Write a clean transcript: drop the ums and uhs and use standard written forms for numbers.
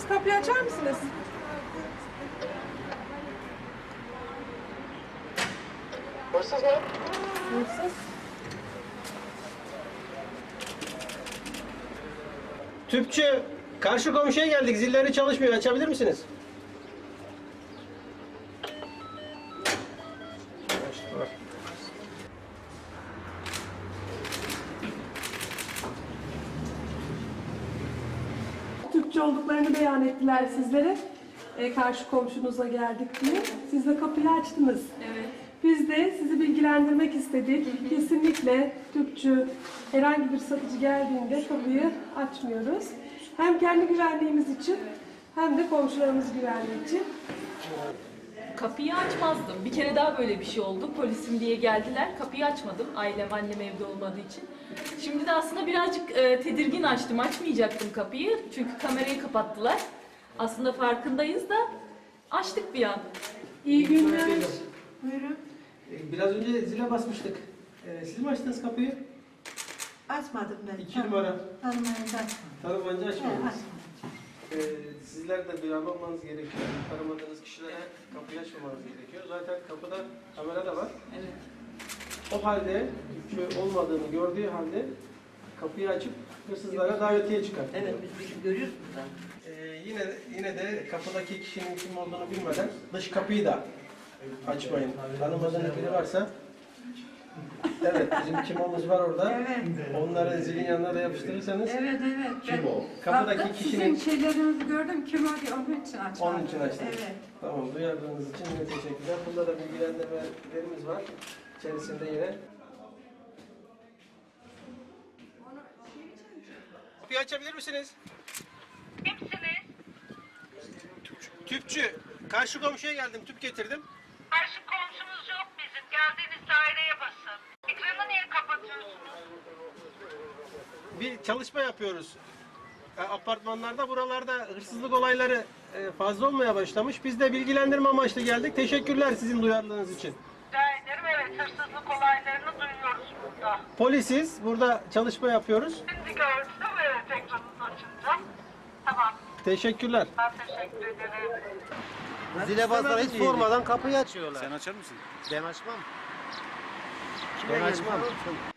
Biraz kapıyı açar mısınız? Hırsız mı? Hırsız. Tüpçü, karşı komşuya geldik. Zilleri çalışmıyor. Açabilir misiniz? Türkçe olduklarını beyan ettiler sizlere. Karşı komşunuza geldik diye. Siz de kapıyı açtınız. Evet. Biz de sizi bilgilendirmek istedik. Kesinlikle Türkçü herhangi bir satıcı geldiğinde kapıyı açmıyoruz. Hem kendi güvenliğimiz için hem de komşularımız güvenliği için. Kapıyı açmazdım. Bir kere daha böyle bir şey oldu. Polisim diye geldiler. Kapıyı açmadım. Annem evde olmadığı için. Şimdi de aslında birazcık tedirgin açtım. Açmayacaktım kapıyı. Çünkü kamerayı kapattılar. Aslında farkındayız da açtık bir an. İyi günler. Buyurun. Biraz önce zile basmıştık. Siz mi açtınız kapıyı? Açmadım ben. 2 numara. Tanımayınca açmadım. Tanımayınca açmadınız. Açmadım. Sizler de duyarlı olmanız gerekiyor. Tanımadığınız kişilere kapıyı açmamanız gerekiyor. Zaten kapıda kamera da var. Evet. O halde Türkçe olmadığını gördüğü halde kapıyı açıp hırsızlara davetiye çıkar. Evet, biz görüyoruz buradan. Yine de kapıdaki kişinin kim olduğunu bilmeden dış kapıyı da açmayın. Tanımadığınız biri varsa evet, bizim kimomuz var orada. Evet. Onları zilin yanına da yapıştırırsanız Evet. kim o? Kapıdaki Baktım, kişinin... sizin şeylerinizi gördüm, kim o diye onun için açmadım. Onun için açtım. Evet. Tamam, duyardığınız için yine teşekkürler. Bunda da bilgilendirmelerimiz var. İçerisinde yine. Kapıyı açabilir misiniz? Kimsiniz? Tüpçü. Karşı komşuya geldim, tüp getirdim. Karşı komşumuz yok bizim. Geldiğiniz daireye basın. Ekranı niye kapatıyorsunuz? Bir çalışma yapıyoruz. Apartmanlarda, buralarda hırsızlık olayları fazla olmaya başlamış. Biz de bilgilendirme amaçlı geldik. Teşekkürler sizin duyarlılığınız için. Rica ederim. Evet, hırsızlık olaylarını duyuyoruz burada. Polisiz, burada çalışma yapıyoruz. Şimdi gördüm. Evet, ekranınız açınca. Tamam. Teşekkürler. Ben teşekkür ederim. Zile basmadan hiç sormadan kapıyı açıyorlar. Sen açar mısın? Ben açmam. Ben açmam.